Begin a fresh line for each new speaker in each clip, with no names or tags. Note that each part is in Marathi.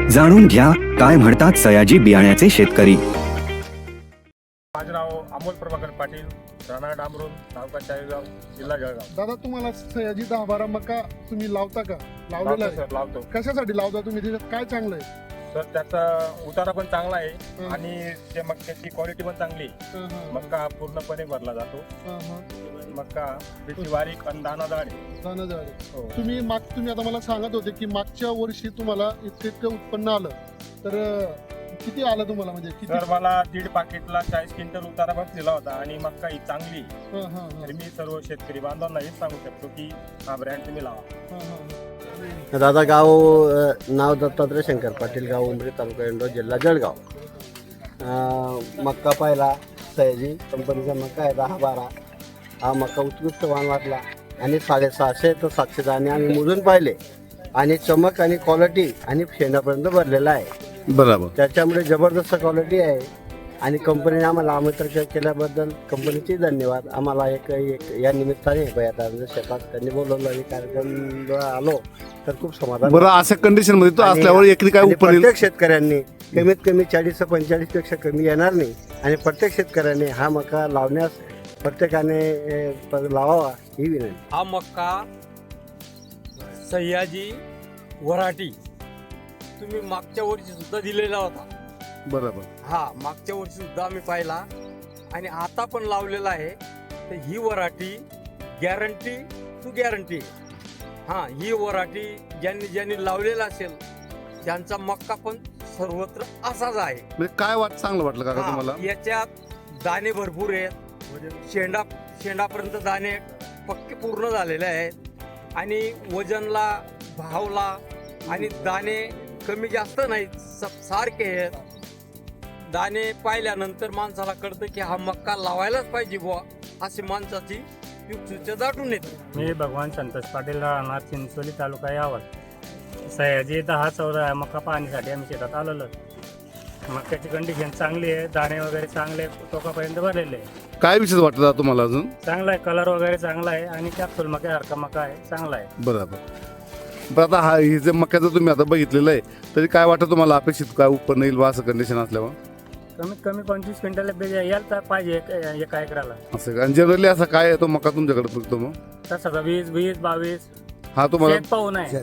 जाणून घ्या काय म्हणतात सयाजी बियाण्याचे शेतकरी.
माझे नाव अमोल प्रभाकर पाटील, राहणार डांबरून, तालुका चाळीसगाव, जिल्हा जळगाव.
दादा, तुम्हाला सयाजी 10-12 मका तुम्ही लावता का? लावलेला आहे?
सर लावतो
कशासाठी लावता तुम्ही? त्याच्यात काय चांगलं आहे?
सर. त्याचा उतारा पण चांगला आहे आणि ते मक्याची क्वालिटी पण चांगली आहे. मक्का पूर्णपणे भरला जातो. मक्का त्याची बारीक आणि दाणादार आहे.
दाणेदार आहे.
हो.
तुम्ही आता मला सांगत होते की मागच्या वर्षी तुम्हाला इतकं उत्पन्न आलं, तर किती आलं तुम्हाला? म्हणजे किती?
सर मला 1.5 पाकिटला 40 क्विंटल उतारा बसलेला होता आणि मक्का ही चांगली आहे. तर मी सर्व शेतकरी बांधवांना हेच सांगू शकतो की हा ब्रँड तुम्ही लावा.
दादा, गाव नाव दत्तात्रय शंकर पाटील, गाव उमरी, तालुका इंदोर, जिल्हा जळगाव. मक्का पाहिला, सयाजी कंपनीचा मक्का आहे 10-12. हा मक्का उत्कृष्ट वाण वाटला आणि 650 तर 700 दाणे आम्ही मोजून पाहिले आणि चमक आणि क्वालिटी आणि शेंडापर्यंत भरलेला आहे.
बरोबर.
त्याच्यामुळे जबरदस्त क्वालिटी आहे आणि कंपनीने आम्हाला आमंत्रण केल्याबद्दल कंपनीचे धन्यवाद. आम्हाला एक या निमित्ताने बयादारांच्या शेतात त्यांनी बोलवलं आणि कार्यक्रम आलो तर खूप समाधान.
बरं, अशा कंडिशन मध्ये तो असल्यावर एकरी काय
आणि
उपयोग?
प्रत्येक शेतकऱ्यांनी कमीत कमी 40-45 पेक्षा कमी येणार नाही आणि प्रत्येक शेतकऱ्याने हा मका लावण्यास प्रत्येकाने लावावा ही विनंती.
हा मक्का सह्याजी वराठी तुम्ही मागच्या वर्षी सुद्धा दिलेला होता.
बरोबर.
हा, मागच्या वर्षी सुद्धा आम्ही पाहिला आणि आता पण लावलेला आहे. तर ही वराठी गॅरंटी टू गॅरंटी. हा, ही वराठी ज्यांनी लावलेला असेल त्यांचा मक्का पण सर्वत्र असाच आहे.
म्हणजे काय चांगलं वाटलं का तुम्हाला?
याच्यात दाणे भरपूर आहेत. शेंडापर्यंत दाणे पक्के पूर्ण झालेले आहेत आणि वजनला, भावला आणि दाणे कमी जास्त नाहीत, सारखे आहेत. दाणे पाहिल्यानंतर माणसाला कळतं की हा मक्का लावायलाच पाहिजे बुवा, अशी माणसाची युक्तीच्या दाटून येते.
मी भगवान संतोष पाटील, राहणार चिंचोली, तालुका यावल. सयाजी 10-14 मक्का पाहण्यासाठी आम्ही शेतात आलेलो. मक्याची कंडिशन चांगली आहे, दाणे वगैरे चांगले, टोकापर्यंत भरलेले आहे.
काय विशेष वाटतं तुम्हाला अजून?
चांगला आहे, कलर वगैरे चांगला आहे आणि कॅप्सूल मक्यासारखा मका आहे, चांगला आहे.
बरोबर. पण आता हा हे जे मक्याचं तुम्ही आता बघितलेलं आहे तरी काय वाटतं तुम्हाला, अपेक्षित काय उत्पन्न येईल बा असं कंडिशन असल्यावर?
कमीत कमी 25 क्विंटल यायला पाहिजे एका एकराला.
असं आणि जनरली असा काय आहे तो मका तुमच्याकडे पिकतो मग?
तसं 20-22
हा तुम्हाला
पाहून आहे.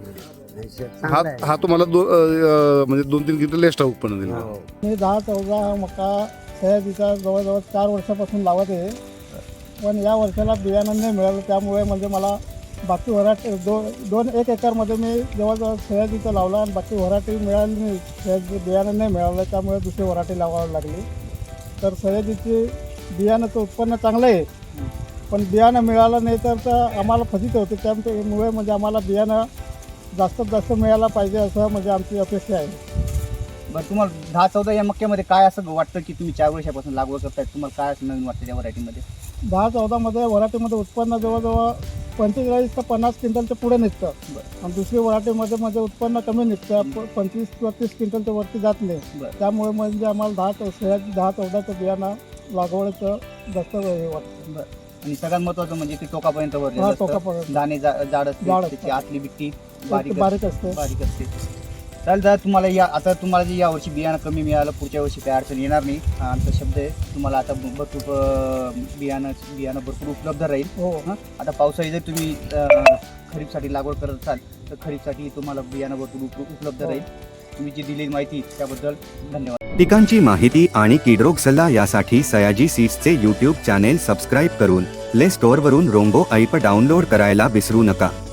हा तुम्हाला म्हणजे 2-3 क्विंटल एक्स्ट्रा उत्पन्न दिलं.
मी 10-14 मका सयाजीचा जवळजवळ 4 वर्षापासून लावत आहे, पण या वर्षाला बियाणं नाही मिळालं. त्यामुळे म्हणजे मला बाकी वराठी 1 एकरमध्ये मी जवळजवळ सयाजीचं लावला आणि बाकी वराठी मिळाली नाही. सयाजी बियाणं नाही मिळालं, त्यामुळे दुसरी वराठी लावावी लागली. तर सयाजीची बियाणाचं उत्पन्न चांगलं आहे, पण बियाणं मिळालं नाही तर आम्हाला फजित होते. त्यामुळे म्हणजे आम्हाला बियाणं जास्तीत जास्त मिळायला पाहिजे असं म्हणजे आमची अपेक्षा आहे.
बरं, तुम्हाला 10-14 या मक्यामध्ये काय असं वाटतं की तुम्ही 4 वर्षापासून लागवड करताय, तुम्हाला काय असं नवीन वाटतं त्या व्हरायटीमध्ये?
10-14 वराठीमध्ये उत्पन्न जवळजवळ 45 ते 50 क्विंटलच्या पुढे निघतं. आणि दुसरी वराठीमध्ये उत्पन्न कमी निघतं, 25-30 क्विंटलच्या वरती जात नाही. त्यामुळे म्हणजे आम्हाला 10-14 बियाणं लागवडीचं जास्त हे वाटतं.
बरं, आणि सगळ्यात महत्त्वाचं म्हणजे ते टोकापर्यंत भरलेलं असतं.
टोकापर्यंत
दाणे जाड असते,
जाड
त्याची आतली बिट्टी
बारीक असते.
चालेल दादा, तुम्हाला जे यावर्षी बियाणं कमी मिळालं, पुढच्या वर्षी काही अडचण येणार नाही आमचा शब्द आहे. तुम्हाला आता भरपूर बियाणं भरपूर उपलब्ध राहील.
हो.
आता पावसाळी जर तुम्ही खरीपसाठी लागवड करत असाल तर खरीपसाठी तुम्हाला बियाणं भरपूर उपलब्ध राहील. तुम्ही जी दिलेली माहिती त्याबद्दल धन्यवाद.
पिकांची माहिती आणि किडरोग सल्ला यासाठी सयाजी सीड्सचे YouTube चॅनेल सबस्क्राईब करून प्ले स्टोअरवरून रोंगो ॲप डाउनलोड करायला विसरू नका.